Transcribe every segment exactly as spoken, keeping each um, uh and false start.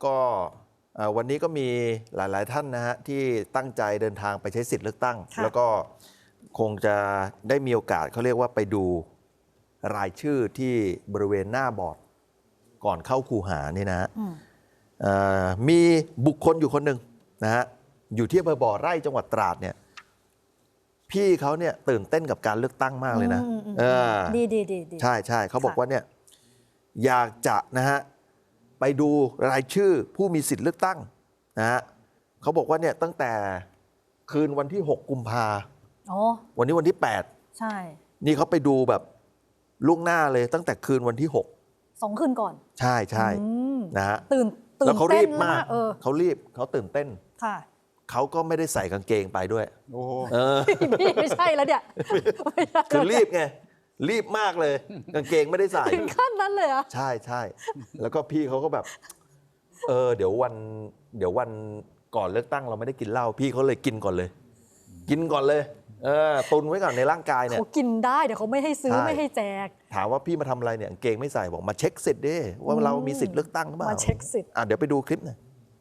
ก็วันนี้ก็มีหลายๆท่านนะฮะที่ตั้งใจเดินทางไปใช้สิทธิ์เลือกตั้งแล้วก็คงจะได้มีโอกาสเขาเรียกว่าไปดูรายชื่อที่บริเวณหน้าบอร์ดก่อนเข้าคูหานี่นะฮะมีบุคคลอยู่คนหนึ่งนะฮะอยู่ที่อำเภอบ่อไร่จังหวัดตราดเนี่ยพี่เขาเนี่ยตื่นเต้นกับการเลือกตั้งมากเลยนะดีดีดีใช่ใช่เขาบอกว่าเนี่ยอยากจะนะฮะไปดูรายชื่อผู้มีสิทธิ์เลือกตั้งนะฮะเขาบอกว่าเนี่ยตั้งแต่คืนวันที่หกกุมภาวันนี้วันที่แปดใช่นี่เขาไปดูแบบล่วงหน้าเลยตั้งแต่คืนวันที่หกสองคืนก่อนใช่ใช่นะฮะตื่นตื่นแล้วเขารีบมากเขารีบเขาตื่นเต้นค่ะเขาก็ไม่ได้ใส่กางเกงไปด้วยโอ้เออไม่ใช่แล้วเนี่ยคือรีบไงรีบมากเลยกางเกงไม่ได้ใส่ถึงขั้นนั้นเลยอ่ะใช่ใช่แล้วก็พี่เขาก็แบบเออเดี๋ยววันเดี๋ยววันก่อนเลือกตั้งเราไม่ได้กินเหล้าพี่เขาเลยกินก่อนเลย กินก่อนเลยเออตุนไว้ก่อนในร่างกายเนี่ยเขากินได้เดี๋ยวเขาไม่ให้ซื้อไม่ให้แจกถามว่าพี่มาทำอะไรเนี่ยกางเกงไม่ใส่บอกมาเช็คสิทธิ์ดิว่าเรามีสิทธิ์เลือกตั้งหรือเปล่ามาเช็คสิทธิ์อ่ะเดี๋ยวไปดูคลิปหน่อย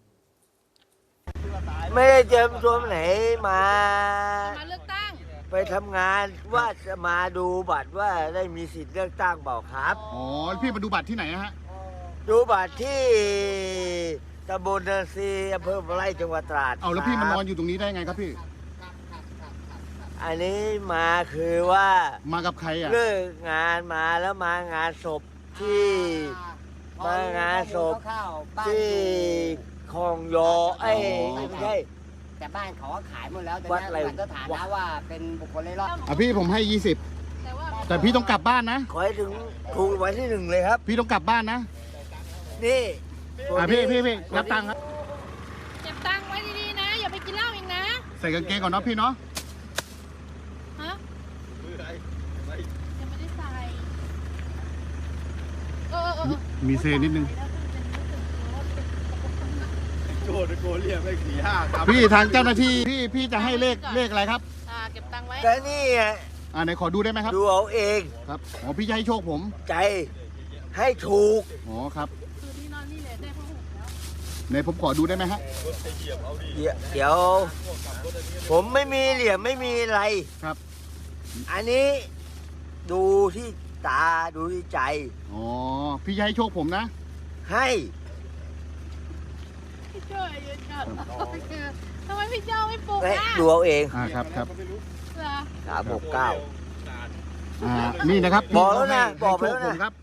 ไม่ได้เตรียมตัวไหนมามาเลือกตั้งไปทำงานว่าจะมาดูบัตรว่าได้มีสิทธิ์เลือกตั้งเปล่าครับอ๋อพี่มาดูบัตรที่ไหนฮะดูบัตรที่ตำบลนาซีอำเภอบ่อไร่จังหวัดตราดเอาแล้วพี่มานอนอยู่ตรงนี้ได้ไงครับพี่อันนี้มาคือว่ามากับใครอ่ะเลิกงานมาแล้วมางานศพที่มางานศพที่คลองยอไอ้ไม่ใช่แต่บ้านเขาขายหมดแล้วแต่วัดอะไรก็ถามนะว่าเป็นบุคคลเล่ร่อนอ่ะพี่ผมให้ยี่สิบแต่พี่ต้องกลับบ้านนะขอให้ถึงถูกไว้ที่หนึ่งเลยครับพี่ต้องกลับบ้านนะนี่อ่ะพี่พี่พี่รับตังค์ครับเก็บตังค์ไว้ดีๆนะอย่าไปกินเหล้าอีกนะใส่กางเกงก่อนเนาะพี่เนาะฮะยังไม่ได้ใส่เออเออมีเซนิดนึงโจดโกเรียกเลขสี่ห้าครับพี่ทางเจ้าหน้าที่พี่พี่จะให้เลขเลขอะไรครับอ่าเก็บตังค์ไว้แต่นี่อ่ะอ่าไหนขอดูได้ไหมครับดูเอาเองครับอ๋อพี่จะให้โชคผมใจให้ถูกอ๋อครับคือที่นอนนี่แหละได้ผ้าห่มแล้วไหนผมขอดูได้ไหมฮะเดี๋ยวเดี๋ยวผมไม่มีเหลี่ยมไม่มีอะไรครับอันนี้ดูที่ตาดูที่ใจอ๋อพี่จะให้โชคผมนะให้ช่วยเยอะจังทำไมพี่เจ้าไม่ปลุกอ่ะดูเอาเองอ่าครับครับสามหกเก้าอ่านี่นะครับบอกแล้วนะบอกไปแล้วนะครับ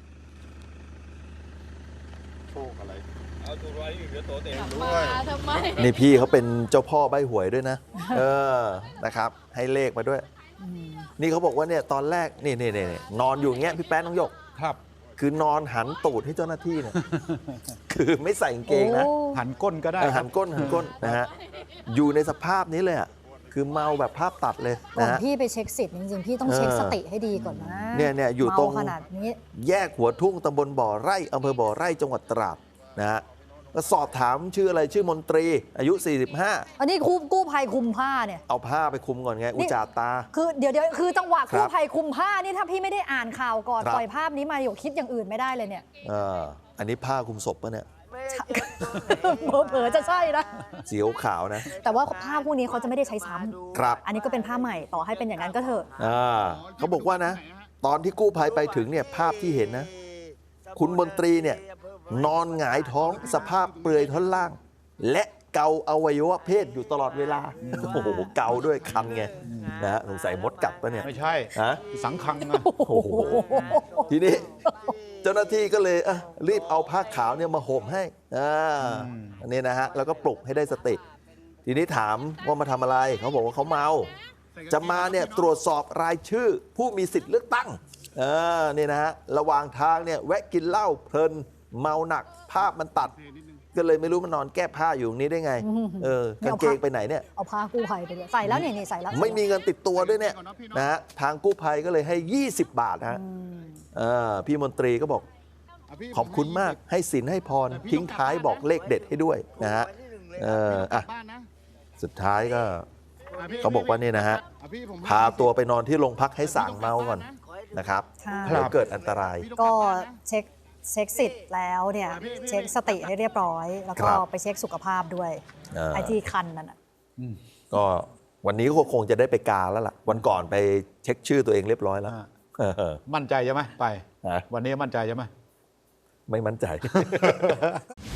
โชคอะไรเอาตัวร้อยหนึ่งเดี๋ยวโตเต็มด้วยทำไมนี่พี่เขาเป็นเจ้าพ่อใบหวยด้วยนะเออนะครับให้เลขมาด้วยนี่เขาบอกว่าเนี่ยตอนแรกนี่นี่นี่นอนอยู่อย่างเงี้ยพี่แป๊ะน้องหยกครับคือนอนหันตูดให้เจ้าหน้าที่เนี่ยคือไม่ใส่กางเกงนะหันก้นก็ได้หันก้นหันก้นนะฮะอยู่ในสภาพนี้เลยอ่ะคือเมาแบบภาพตัดเลยนะฮะพี่ไปเช็คสิทธิ์จริงๆพี่ต้องเช็คสติให้ดีก่อนนะเนี่ยเนี่ยอยู่ตรงขนาดนี้แยกหัวทุ่งตำบลบ่อไร่อำเภอบ่อไร่จังหวัดตราดนะฮะก็สอบถามชื่ออะไรชื่อมนตรีอายุสี่สิบห้าอันนี้กู้กู้ภัยคุมผ้าเนี่ยเอาผ้าไปคุมก่อนไงอุจจาตาคือเดี๋ยวเดี๋ยวคือจังหวะกู้ภัยคุมผ้านี่ถ้าพี่ไม่ได้อ่านข่าวก่อนปล่อยภาพนี้มาหยกคิดอย่างอื่นไม่ได้เลยเนี่ยเอออันนี้ผ้าคุมศพปะเนี่ยเผลอจะใช่นะสีขาวนะแต่ว่าผ้าพวกนี้เขาจะไม่ได้ใช้ซ้ำครับอันนี้ก็เป็นผ้าใหม่ต่อให้เป็นอย่างนั้นก็เถอะอ่าเขาบอกว่านะตอนที่กู้ภัยไปถึงเนี่ยภาพที่เห็นนะคุณมนตรีเนี่ยนอนหงายท้องสภาพเปลือยท่อนล่างและเกาอวัยวะเพศอยู่ตลอดเวลาโอ้โหเกาด้วยคันไงนะฮะสงสัยมดกัดปะเนี่ยไม่ใช่ฮะสังคังนะโอ้โหทีนี้เจ้าหน้าที่ก็เลยรีบเอาผ้าขาวเนี่ยมาห่มให้อ่าอันนี้นะฮะแล้วก็ปลุกให้ได้สติทีนี้ถามว่ามาทำอะไรเขาบอกว่าเขาเมาจะมาเนี่ยตรวจสอบรายชื่อผู้มีสิทธิ์เลือกตั้งเออนี่นะฮะระหว่างทางเนี่ยแวะกินเหล้าเพลินเมาหนักภาพมันตัดก็เลยไม่รู้มันนอนแก้ผ้าอยู่ตรงนี้ได้ไงเออกางเกงไปไหนเนี่ยเอาผ้ากู้ภัยไปใส่แล้วเนี่ยนี่ใส่แล้วไม่มีเงินติดตัวด้วยเนี่ยนะฮะทางกู้ภัยก็เลยให้ยี่สิบบาทฮะพี่มนตรีก็บอกขอบคุณมากให้ศีลให้พรทิ้งท้ายบอกเลขเด็ดให้ด้วยนะฮะเอออ่ะสุดท้ายก็เขาบอกว่านี่นะฮะพาตัวไปนอนที่โรงพักให้สั่งเมาก่อนนะครับเดี๋ยวเกิดอันตรายก็เช็คเช็คสิทธิ์แล้วเนี่ยเช็คสติให้เรียบร้อย แล้วก็ครับไปเช็คสุขภาพด้วยอ่าไอ้ที่คันนั่นน่ะก็วันนี้ก็คงจะได้ไปกาแล้วล่ะ วันก่อนไปเช็คชื่อตัวเองเรียบร้อยแล้วอ่าเออมั่นใจใช่ไหมไปฮะวันนี้มั่นใจใช่ไหมไม่มั่นใจ